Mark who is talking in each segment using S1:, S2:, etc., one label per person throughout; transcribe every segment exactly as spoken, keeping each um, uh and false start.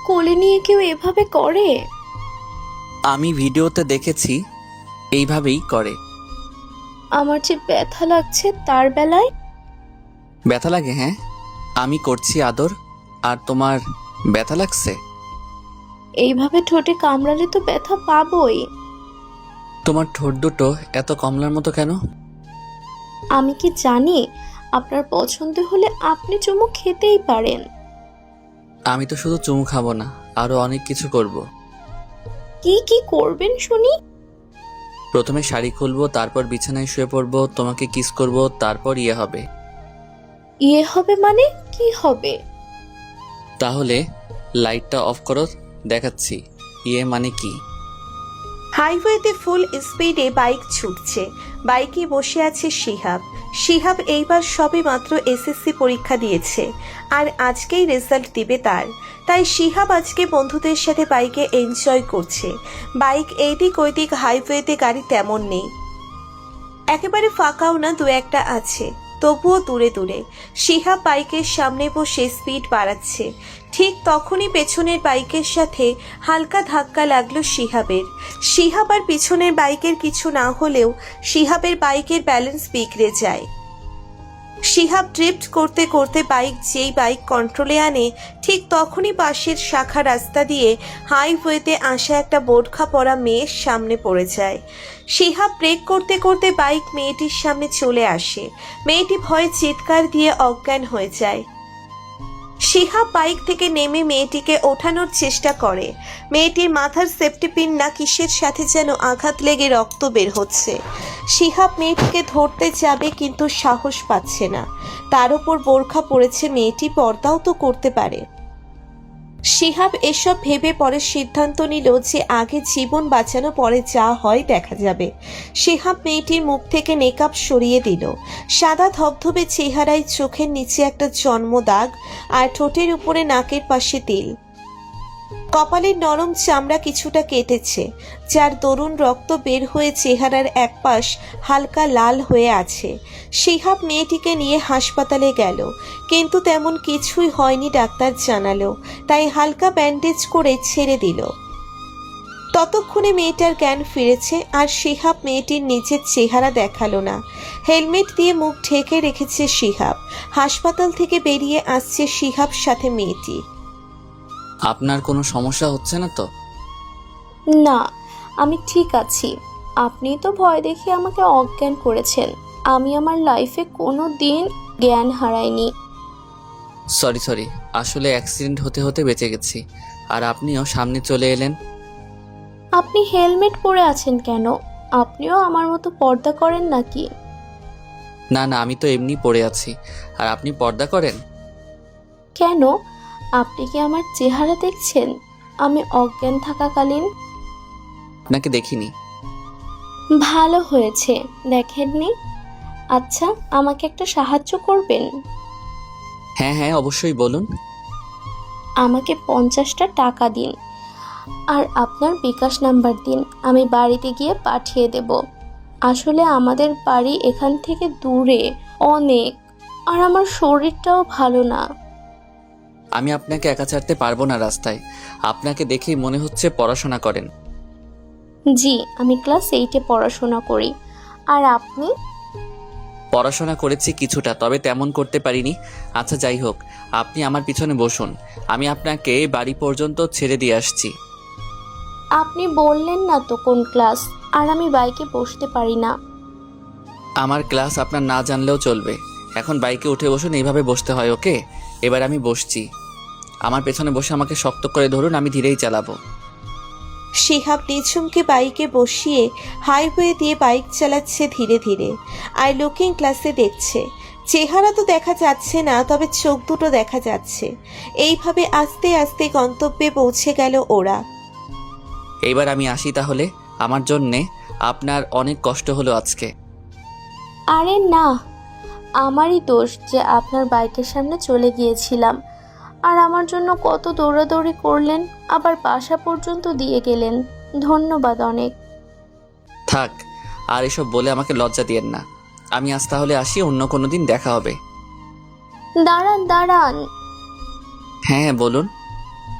S1: কোলে নিয়ে কেউ এভাবে করে?
S2: আমি ভিডিওতে দেখেছি এইভাবেই করে।
S1: আমার যে ব্যথা লাগছে তার বেলায়।
S2: ব্যথা লাগে? হ্যাঁ, আমি করছি আদর আর তোমার ব্যথা লাগছে?
S1: এইভাবে ঠোঁটে কামড়ালে তো ব্যথা পাবোই।
S2: তোমার ঠোঁট দুটো এত কমলার মতো কেন?
S1: আমি কি জানি? আপনার পছন্দ হলে আপনি চুমু খেতেই পারেন।
S2: আমি তো শুধু চুমু খাবো না, আরো অনেক কিছু করব।
S1: কি কি করবেন শুনি?
S2: প্রথমে শাড়ি খুলবো, তারপর বিছানায় শুয়ে পড়বো, তোমাকে কিস করব, তারপর ইয়ে হবে।
S1: ইয়ে হবে মানে কি হবে?
S2: তাহলে লাইটটা অফ করো, দেখাচ্ছি ইয়ে মানে কি।
S3: হাইওয়েতে ফুল স্পিডে বাইক ছুটছে। বাইকে বসে আছে শিহাব। শিহাব এইবার সবে মাত্র এসএসসি পরীক্ষা দিয়েছে, আর আজকেই রেজাল্ট দিবে তার। তাই শিহাব আজকে বন্ধুদের সাথে বাইকে এনজয় করছে। বাইক এইদিক ওইদিক, হাইওয়েতে গাড়ি তেমন নেই, একেবারে ফাঁকাও না, দু একটা আছে, তবুও দূরে দূরে। শিহাব বাইকের সামনে বসে স্পিড বাড়াচ্ছে। ঠিক তখনই পেছনের বাইকের সাথে হালকা ধাক্কা লাগলো শিহাবের। শিহাব আর পিছনের বাইকের কিছু না হলেও শিহাবের বাইকের ব্যালেন্স বিগড়ে যায়। শিহাব ড্রিফট করতে করতে বাইক যেই বাইক কন্ট্রোলে আনে, ঠিক তখনই পাশের শাখা রাস্তা দিয়ে হাইওয়েতে আসা একটা বোরখা পরা মেয়ের সামনে পড়ে যায়। শিহাব ব্রেক করতে করতে বাইক মেয়েটির সামনে চলে আসে। মেয়েটি ভয়ে চিৎকার দিয়ে অজ্ঞান হয়ে যায়। শিহাব বাইক থেকে নেমে মেয়েটিকে ওঠানোর চেষ্টা করে। মেয়েটির মাথার সেফটি পিন না কিসের সাথে যেন আঘাত লেগে রক্ত বের হচ্ছে। শিহাব মেয়েটিকে ধরতে যাবে, কিন্তু সাহস পাচ্ছে না। তার উপর বোরখা পড়েছে, মেয়েটি পর্দাও তো করতে পারে। শিহাব এসব ভেবে পরে সিদ্ধান্ত নিল যে আগে জীবন বাঁচানো, পরে যা হয় দেখা যাবে। শিহাব মেয়েটির মুখ থেকে মেকআপ সরিয়ে দিল। সাদা ধবধবে চেহারায় চোখের নিচে একটা জন্ম দাগ, আর ঠোঁটের উপরে নাকের পাশে তিল। কপালের নরম চামড়া কিছুটা কেটেছে, যার দরুন রক্ত বের হয়ে চেহারার এক পাশ হালকা লাল হয়ে আছে। শিহাব মেয়েটিকে নিয়ে হাসপাতালে গেল, কিন্তু তেমন কিছুই হয়নি ডাক্তার জানালো, তাই হালকা ব্যান্ডেজ করে ছেড়ে দিল। ততক্ষণে মেয়েটার জ্ঞান ফিরেছে, আর শিহাব মেয়েটির নিচের চেহারা দেখালো না। হেলমেট দিয়ে মুখ ঢেকে রেখেছে শিহাব। হাসপাতাল থেকে বেরিয়ে আসছে শিহাব সাথে মেয়েটি।
S2: আপনার কোনো সমস্যা হচ্ছে না তো?
S1: না, আমি ঠিক আছি। আপনি তো ভয় দেখিয়ে আমাকে অজ্ঞান করেছেন। আমি আমার লাইফে কোনো দিন জ্ঞান হারাইনি।
S2: সরি সরি, আসলে অ্যাক্সিডেন্ট হতে হতে বেঁচে গেছি, আর আপনিও সামনে চলে এলেন।
S1: আপনি হেলমেট পরে আছেন কেন? আপনিও আমার মতো পর্দা করেন নাকি?
S2: না না, আমি তো এমনি পড়ে আছি। আর আপনি পর্দা করেন?
S1: কেন? আপনি কি আমার চেহারা দেখছেন আমি অজ্ঞান থাকাকালীন?
S2: আপনাকে দেখিনি।
S1: ভালো হয়েছে দেখেননি। আচ্ছা, আমাকে একটা সাহায্য করবেন?
S2: হ্যাঁ হ্যাঁ, অবশ্যই বলুন।
S1: আমাকে পঞ্চাশটা টাকা দিন, আর আপনার বিকাশ নাম্বার দিন। আমি বাড়িতে গিয়ে পাঠিয়ে দেব। আসলে আমাদের বাড়ি এখান থেকে দূরে অনেক, আর আমার শরীরটাও ভালো না।
S2: আমি আপনাকে একা ছাড়তে পারবো না রাস্তায়। আপনাকে দেখেই মনে হচ্ছে পড়াশোনা করেন।
S1: জি, আমি ক্লাস এইটে পড়াশোনা করি। আর আপনি?
S2: পড়াশোনা করেছি কিছুটা, তবে তেমন করতে পারিনি। আচ্ছা যাই হোক, আপনি আমার পিছনে বসুন, আমি আপনাকে বাড়ি পর্যন্ত ছেড়ে দিয়ে আসছি।
S1: আপনি বললেন না তো কোন ক্লাস, আর আমি বাইকে বসতে পারি না।
S2: আমার ক্লাস আপনার না জানলেও চলবে। এখন বাইকে উঠে বসুন, এইভাবে বসতে হয়, ওকে? এবার আমি বসছি। আমার পেছনে বসে আমাকে শক্ত করে ধরুন, আমি ধীরেই চালাবো।
S3: শিহাব নিঝুমকে বাইকে বসিয়ে হাইওয়ে দিয়ে বাইক চালাচ্ছে ধীরে ধীরে, আর লুকিং ক্লাসে দেখছে। চেহারা তো দেখা যাচ্ছে না, তবে চোখ দুটো দেখা যাচ্ছে। এইভাবে আস্তে আস্তে গন্তব্যে পৌঁছে গেল ওরা।
S2: এইবার আমি আসি তাহলে। আমার জন্যে আপনার অনেক কষ্ট হলো আজকে।
S1: আরে না, আমারই দোষ যে আপনার বাইকের সামনে চলে গিয়েছিলাম, আর আমার জন্য কত দৌড়াদৌড়ি করলেন, আবার বাসা পর্যন্ত দিয়ে গেলেন। ধন্যবাদ অনেক।
S2: থাক, আর এসব বলে আমাকে লজ্জা দিয়েন না। আমি আজ তাহলে আসি, অন্য কোনো দিন দেখা হবে।
S1: দাঁড়ান দাঁড়ান,
S2: হ্যাঁ হ্যাঁ বলুন।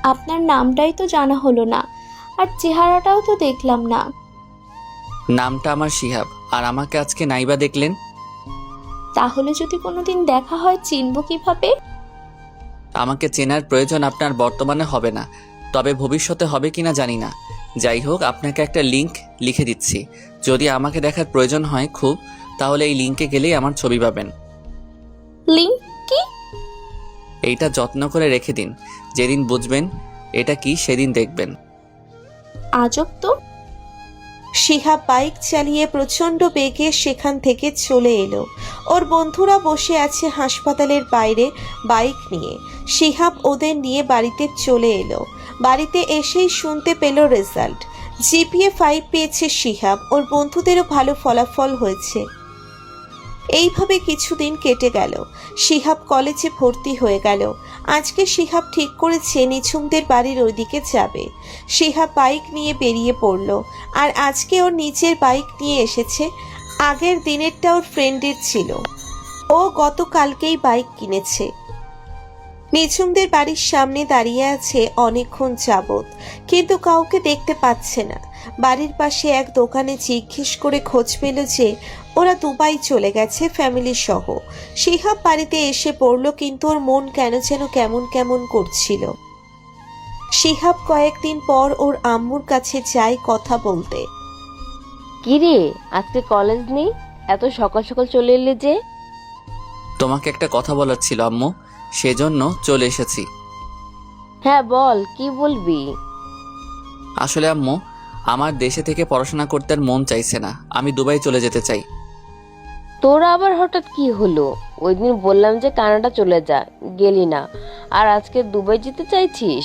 S1: আপনার নামটাই তো জানা হলো না, আর চেহারাটাও তো দেখলাম না।
S2: নামটা আমার শিহাব, আর আমাকে আজকে নাইবা দেখলেন।
S1: তাহলে যদি কোনোদিন দেখা হয় চিনব কিভাবে?
S2: আমাকে চেনার প্রয়োজন আপনার বর্তমানে হবে না, তবে ভবিষ্যতে হবে কিনা জানি না। যাই হোক, আপনাকে একটা লিংক লিখে দিচ্ছি। যদি আমাকে দেখার প্রয়োজন হয় খুব, তাহলে এই লিংকে গেলেই আমার ছবি পাবেন।
S1: লিংক কি?
S2: এইটা যত্ন করে রেখে দিন, যেদিন বুঝবেন এটা কি সেদিন দেখবেন।
S1: আজব তো।
S3: শিহাব বাইক চালিয়ে প্রচণ্ড বেগে সেখান থেকে চলে এলো। ওর বন্ধুরা বসে আছে হাসপাতালের বাইরে বাইক নিয়ে। শিহাব ওদের নিয়ে বাড়িতে চলে এলো। বাড়িতে এসেই শুনতে পেল রেজাল্ট। জিপিএ ফাইভ পেয়েছে শিহাব, ওর বন্ধুদেরও ভালো ফলাফল হয়েছে। এইভাবে কিছুদিন কেটে গেল। শিহাব কলেজে ভর্তি হয়ে গেল। আজকে শিহাব ঠিক করেছে নিঝুমদের বাড়ির ওইদিকে যাবে। শিহাব বাইক নিয়ে বেরিয়ে পড়ল। আর আজকে ওর নিজের বাইক নিয়ে এসেছে। আগের দিনেরটা ওর ফ্রেন্ডের ছিল। ও গতকালকেই বাইক কিনেছে। নিঝুমদের বাড়ির সামনে দাঁড়িয়ে আছে অনেকক্ষণ যাবৎ, কিন্তু কাউকে দেখতে পাচ্ছে না। বাড়ির পাশে এক দোকানে জিজ্ঞেস করে খোঁজ পেল যে ওরা দুবাই চলে গেছে ফ্যামিলি সহ। শিহাব বাড়িতে এসে পড়ল, কিন্তু ওর মন কেন যেন কেমন কেমন করছিল। শিহাব কয়েকদিন পর ওর আম্মুর কাছে যায় কথা বলতে।
S4: কিরে, আজকে কলেজ নেই? এত সকাল সকাল চলে এলে যে?
S2: তোমাকে একটা কথা বলার ছিল আম্মু, সেজন্য চলে এসেছি।
S4: হ্যাঁ বল, কি বলবি?
S2: আসলে আম্মু, আমার দেশে থেকে পড়াশোনা করতে আর মন চাইছে না, আমি দুবাই চলে যেতে চাই।
S4: তোরা আবার হঠাৎ কি হলো? ওই দিন বললাম যে কানাডা চলে যা, গেলি না, আর আজকে দুবাই যেতে চাইছিস?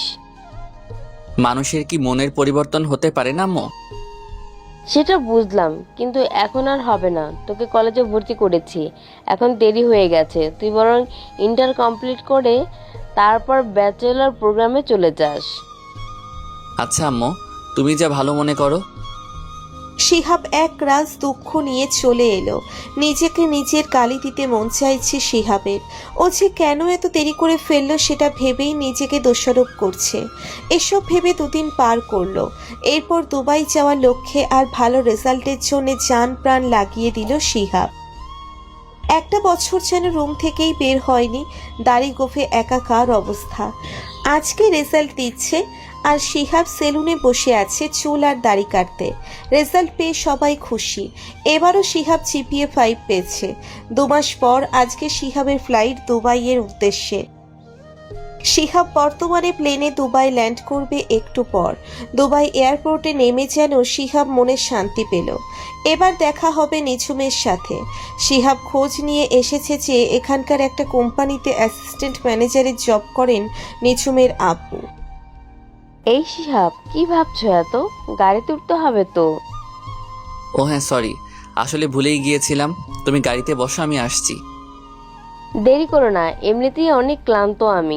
S2: মানুষের কি মনের পরিবর্তন হতে পারে না আম্মু?
S4: সেটা বুঝলাম, কিন্তু এখন আর হবে না। তোকে কলেজে ভর্তি করেছি, এখন দেরি হয়ে গেছে। তুই বরং ইন্টার কমপ্লিট করে তারপর ব্যাচেলর প্রোগ্রামে চলে যাস।
S2: আচ্ছা আম্মু, তুমি যা ভালো মনে করো।
S3: শিহাব এক রাজ দুঃখ নিয়ে চলে এলো। নিজেকে নিজের গালি দিতে মন চাইছে শিহাবের। ও যে কেন এত দেরি করে ফেললো সেটা ভেবেই নিজেকে দোষারোপ করছে। এসব ভেবে দুদিন পার করলো। এরপর দুবাই যাওয়ার লক্ষ্যে আর ভালো রেজাল্টের জন্য জান প্রাণ লাগিয়ে দিল শিহাব। একটা বছর যেন রুম থেকেই বের হয়নি, দাড়ি গোফে একাকার অবস্থা। আজকে রেজাল্ট দিচ্ছে আর শিহাব সেলুনে বসে আছে চুল আর দাড়ি কাটতে। রেজাল্ট পেয়ে সবাই খুশি। এবারও শিহাব জিপিএ ফাইভ পেয়েছে। দু মাস পর আজকে শিহাবের ফ্লাইট দুবাইয়ের উদ্দেশ্যে। শিহাব বর্তমানে প্লেনে দুবাই ল্যান্ড করবে একটু পর। দুবাই এয়ারপোর্টে নেমে যেন শিহাব মনে শান্তি পেল। এবার দেখা হবে নিঝুমের সাথে। শিহাব খোঁজ নিয়ে এসেছে যে এখানকার একটা কোম্পানিতে অ্যাসিস্ট্যান্ট ম্যানেজারের জব করেন নিঝুমের আব্বু।
S4: এই শিহাব, কি ভাবছো এত? গাড়িতে উঠতে হবে তো।
S2: ও হ্যাঁ, সরি, আসলে ভুলেই গিয়েছিলাম। তুমি গাড়িতে বসো, আমি আসছি।
S4: দেরি করো না, এমনিতেই অনেক ক্লান্ত আমি।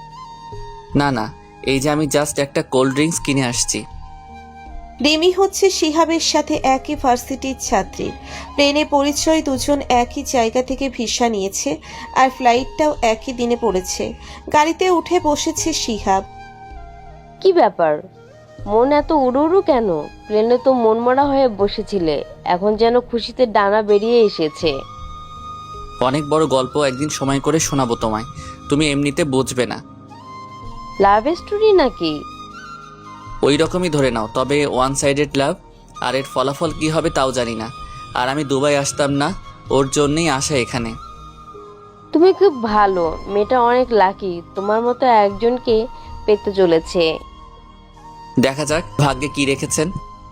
S2: না না, এই যে আমি জাস্ট একটা কোল্ড ড্রিঙ্কস কিনে আসছি।
S3: রিমি হচ্ছে শিহাবের সাথে একই ভার্সিটির ছাত্রী। প্লেনে পরিচয়, দুজন একই জায়গা থেকে ভিসা নিয়েছে আর ফ্লাইটটাও একই দিনে পড়েছে। গাড়িতে উঠে বসেছে শিহাব।
S4: কি ব্যাপার, মন এত উড়ু উড়ু কেন? প্লেনে তো মনমরা হয়ে বসেছিলে, এখন যেন খুশিতে ডানা বেরিয়ে এসেছে।
S2: অনেক বড় গল্প একদিন সময় করে শোনাবো তোমায়, তুমি এমনিতে বুঝবে না।
S4: লাভ স্টোরি নাকি?
S2: ওই রকমই ধরে নাও, তবে ওয়ান সাইডেড লাভ। আর এর ফলাফল কি হবে তাও জানি না। আর আমি দুবাই আসতাম না, ওর জন্যই আসা এখানে।
S4: তুমি খুব ভালো, মেয়েটা অনেক লাকি, তোমার মতো একজনকে পেতে চলেছে।
S2: দেখা যাক ভাগ্যে কি রেখেছেন।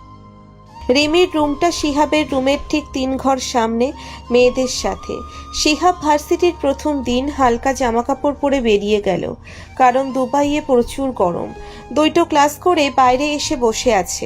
S3: রিমির রুমটা শিহাবের রুমের ঠিক তিন ঘর সামনে, মেয়েদের সাথে। শিহাব ভার্সিটির প্রথম দিন হালকা জামাকাপড় পরে বেরিয়ে গেল, কারণ দুবাইয়ে প্রচুর গরম। দুইটো ক্লাস করে বাইরে এসে বসে আছে।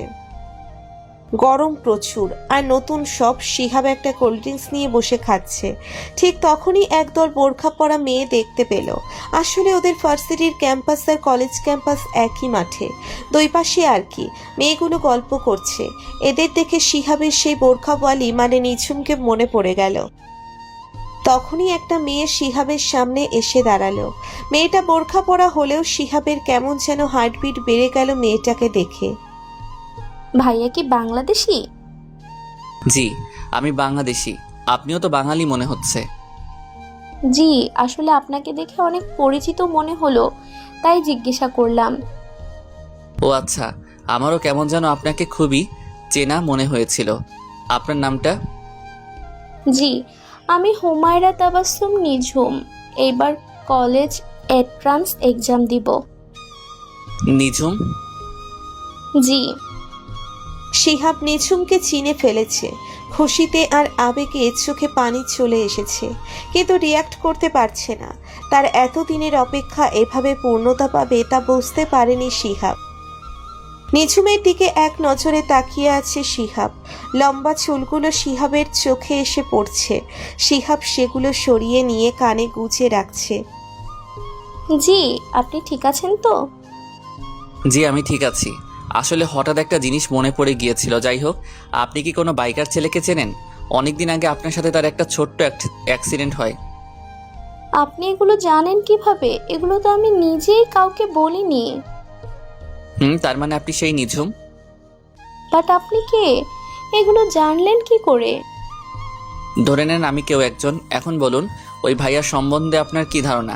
S3: গরম প্রচুর, আর নতুন সব। শিহাব একটা কোল্ড ড্রিঙ্কস নিয়ে বসে খাচ্ছে। ঠিক তখনই একদল বোরখা পরা মেয়ে দেখতে পেল। আসলে ওদের ভার্সিটির ক্যাম্পাস আর কলেজ ক্যাম্পাস একই মাঠে, দুই পাশে আর কি। মেয়েগুলো গল্প করছে। এদের দেখে শিহাবের সেই বোরখাওয়ালি মানে নিঝুমকে মনে পড়ে গেল। তখনই একটা মেয়ে শিহাবের সামনে এসে দাঁড়ালো। মেয়েটা বোরখা পরা হলেও শিহাবের কেমন যেন হার্টবিট বেড়ে গেল মেয়েটাকে দেখে।
S1: ভাইয়া কি বাংলাদেশি?
S2: জি, আমি বাংলাদেশি। আপনিও তো বাঙালি মনে হচ্ছে।
S1: জি, আসলে আপনাকে দেখে অনেক পরিচিত মনে হলো, তাই জিজ্ঞাসা করলাম।
S2: ও আচ্ছা, আমারও কেমন যেন আপনাকে খুবই চেনা মনে হয়েছিল। আপনার নামটা?
S1: জি, আমি হুমায়রা তাবাসসুম নিঝুম। এইবার কলেজ এন্ট্রান্স এক্সাম দিব।
S2: নিঝুম?
S1: জি।
S3: শিহাব নিঝুমকে চিনে ফেলেছে। খুশিতে আর আবেগে চোখে পানি চলে এসেছে, কিন্তু রিয়াক্ট করতে পারছে না। তার এতদিনের অপেক্ষা এভাবে পূর্ণতা পাবে তা বুঝতে পারেনি শিহাব। নিঝুমের দিকে এক নজরে তাকিয়ে আছে শিহাব। লম্বা চুলগুলো শিহাবের চোখে এসে পড়ছে। শিহাব সেগুলো সরিয়ে নিয়ে কানে গুজে রাখছে।
S1: জি, আপনি ঠিক আছেন তো?
S2: জি, আমি ঠিক আছি। আসলে হঠাৎ একটা জিনিস মনে পড়ে গিয়েছিল। যাই হোক, আপনি কি কোনো বাইকার ছেলেকে চেনেন? অনেকদিন আগে আপনার সাথে তার একটা ছোট্ট অ্যাক্সিডেন্ট হয়।
S1: আপনি এগুলো জানেন কিভাবে? এগুলো তো আমি নিজেই কাউকে বলিনি।
S2: হুম, তার মানে আপনি সেই নিঝুম?
S1: বাট আপনি কে? এগুলো জানলেন কি করে?
S2: ধরে নেন আমি কেউ একজন। এখন বলুন, ওই ভাইয়ার সম্বন্ধে আপনার কি ধারণা?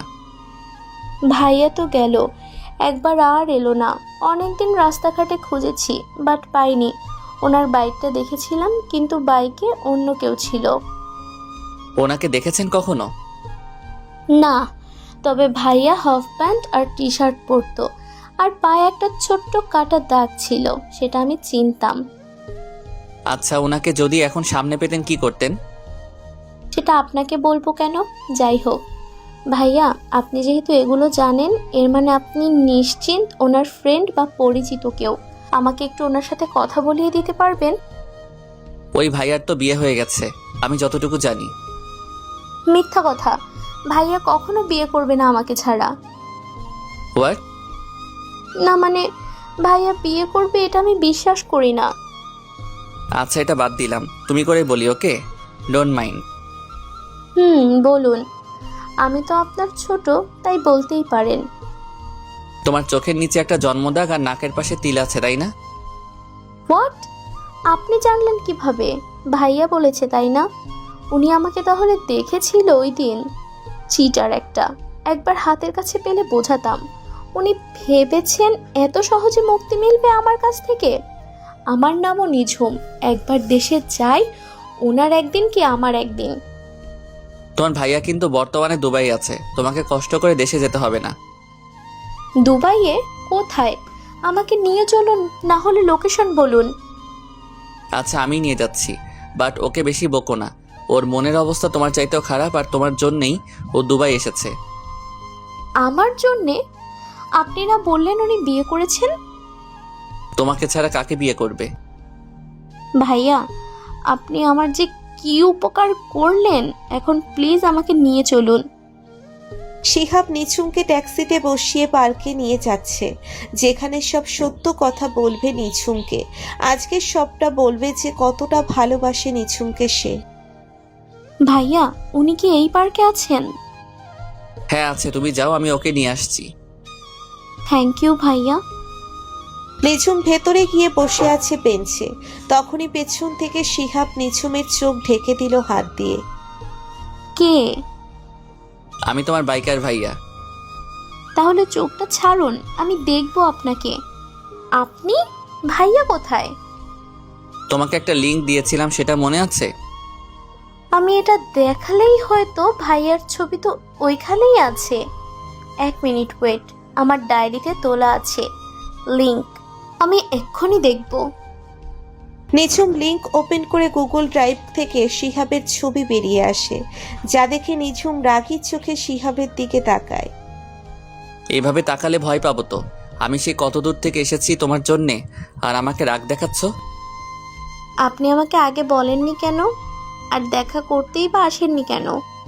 S1: ভাইয়া তো গেল, একবার আর এলো না। অনেকদিন রাস্তাঘাটে খুঁজেছি, বাট পাইনি। ওনার বাইকটা দেখেছিলাম, কিন্তু বাইকে অন্য কেউ ছিল।
S2: ওনাকে দেখেছেন কখনো?
S1: না, তবে ভাইয়া হাফ প্যান্ট আর টি শার্ট পরতো, আর পায়ে একটা ছোট্ট কাটা দাগ ছিল, সেটা আমি চিনতাম।
S2: আচ্ছা, ওনাকে যদি এখন সামনে পেতেন কি করতেন?
S1: সেটা আপনাকে বলবো কেন? যাই হোক ভাইয়া, আপনি যেহেতু এগুলো জানেন, এর মানে আপনি নিশ্চিন্ত ওনার ফ্রেন্ড বা পরিচিত কেউ। আমাকে একটু ওনার সাথে কথা বলিয়ে দিতে পারবেন?
S2: ওই ভাইয়ার তো বিয়ে হয়ে গেছে, আমি যতটুকু জানি।
S1: মিথ্যা কথা, ভাইয়া কখনো বিয়ে করবে না আমাকে ছাড়া।
S2: হোয়াট?
S1: না মানে, ভাইয়া বিয়ে করবে এটা আমি বিশ্বাস করি না।
S2: আচ্ছা, এটা বাদ দিলাম, তুমি করে বলি, ওকে? Don't mind.
S1: হুম, বলুন। আমি তো আপনার ছোট, তাই বলতেই পারেন।
S2: তোমার চোখের নিচে একটা জন্মদাগ আর নাকের পাশে তিল আছে, তাই না?
S1: হোয়াট? আপনি জানলেন কিভাবে? ভাইয়া বলেছে, তাই না? উনি আমাকে তাহলে দেখেছিল ওই দিন? চিটার একটা। একবার হাতের কাছে পেলে বোঝাতাম। উনি ভেবেছেন এত সহজে মুক্তি মিলবে আমার কাছ থেকে? আমার নামও নিঝুম। একবার দেশে যাই, ওনার একদিন কি আমার একদিন।
S2: তোমার ভাইয়া কিন্তু বর্তমানে দুবাই আছে, তোমাকে কষ্ট করে দেশে যেতে হবে না।
S1: দুবাইয়ে? কোথায়? আমাকে নিয়ে চলুন, না হলে লোকেশন বলুন।
S2: আচ্ছা, আমি নিয়ে যাচ্ছি, বাট ওকে বেশি বকো না। ওর মনের অবস্থা তোমার চাইতেও খারাপ, আর তোমার জন্যেই ও দুবাই এসেছে।
S1: আমার জন্যে? আপনি না বললেন উনি বিয়ে করেছেন?
S2: তোমাকে ছাড়া কাকে বিয়ে করবে?
S1: ভাইয়া, আপনি আমার যে কি উপকার করলেন, এখন প্লিজ আমাকে নিয়ে চলুন।
S3: শিহাব নিঝুমকে ট্যাক্সিতে বসিয়ে পার্কে নিয়ে যাচ্ছে, যেখানে সব সত্য কথা বলবে নিঝুমকে। আজকে সবটা বলবে যে কতটা ভালোবাসে নিঝুমকে সে।
S1: ভাইয়া, উনি কি এই পার্কে আছেন?
S2: হ্যাঁ আছে, তুমি যাও, আমি ওকে নিয়ে আসছি।
S1: থ্যাংক ইউ ভাইয়া।
S3: নিঝুম ভেতরে গিয়ে বসে আছে বেঞ্চে। তখনই পেছন থেকে শিহাব নিঝুমের চোখ ঢেকে দিল হাত দিয়ে।
S1: কে?
S2: আমি তোমার বাইকার ভাইয়া।
S1: তাহলে চোখটা ছাড়ুন, আমি দেখবো আপনাকে। আপনি? ভাইয়া কোথায়?
S2: তোমাকে একটা লিংক দিয়েছিলাম, সেটা মনে আছে?
S1: আমি এটা দেখালেই হয়তো ভাইয়ার ছবি তো ওইখানেই আছে। এক মিনিট ওয়েট, আমার ডায়েরিতে তোলা আছে লিংক, আমি এক্ষুনি দেখব।
S3: নিঝুম লিংক ওপেন করে গুগল ড্রাইভ থেকে শিহাবের ছবি বেরিয়ে আসে, যা দেখে নিঝুম রাগী চোখে শিহাবের দিকে তাকায়।
S2: এইভাবে তাকালে ভয় পাবো তো। আমি সে কত দূর থেকে এসেছি তোমার জন্যে, আর আমাকে রাগ দেখাচ্ছ?
S1: আপনি আমাকে আগে বলেননি কেন? আর দেখা করতেই বা আসেননি কেন?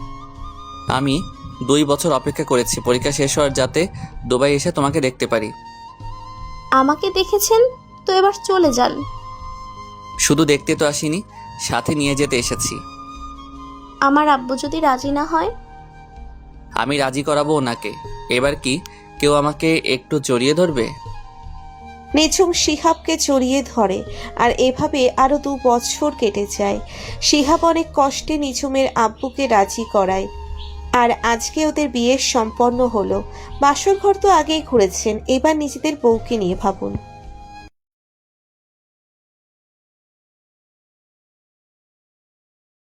S2: আমি দুই বছর অপেক্ষা করেছি পরীক্ষা শেষ হওয়ার, যাতে দুবাই এসে তোমাকে দেখতে পারি।
S1: আমাকে দেখেছেন তো, এবার চলে যান।
S2: শুধু দেখতে তো আসিনি, সাথে নিয়ে যেতে এসেছি।
S1: আমার আব্বু যদি রাজি না হয়?
S2: আমি রাজি করাবো ওনাকে। এবার কি কেউ আমাকে একটু জড়িয়ে ধরবে?
S3: নিঝুম শিহাবকে জড়িয়ে ধরে আর এভাবে আরো দু বছর কেটে যায়। শিহাব অনেক কষ্টে নিঝুমের আব্বুকে রাজি করায় আর আজকে ওদের বিয়ে সম্পন্ন হলো। বাসর ঘর তো আগেই ঘুরেছেন, এবার নিজেদের বউকে নিয়ে ভাবুন।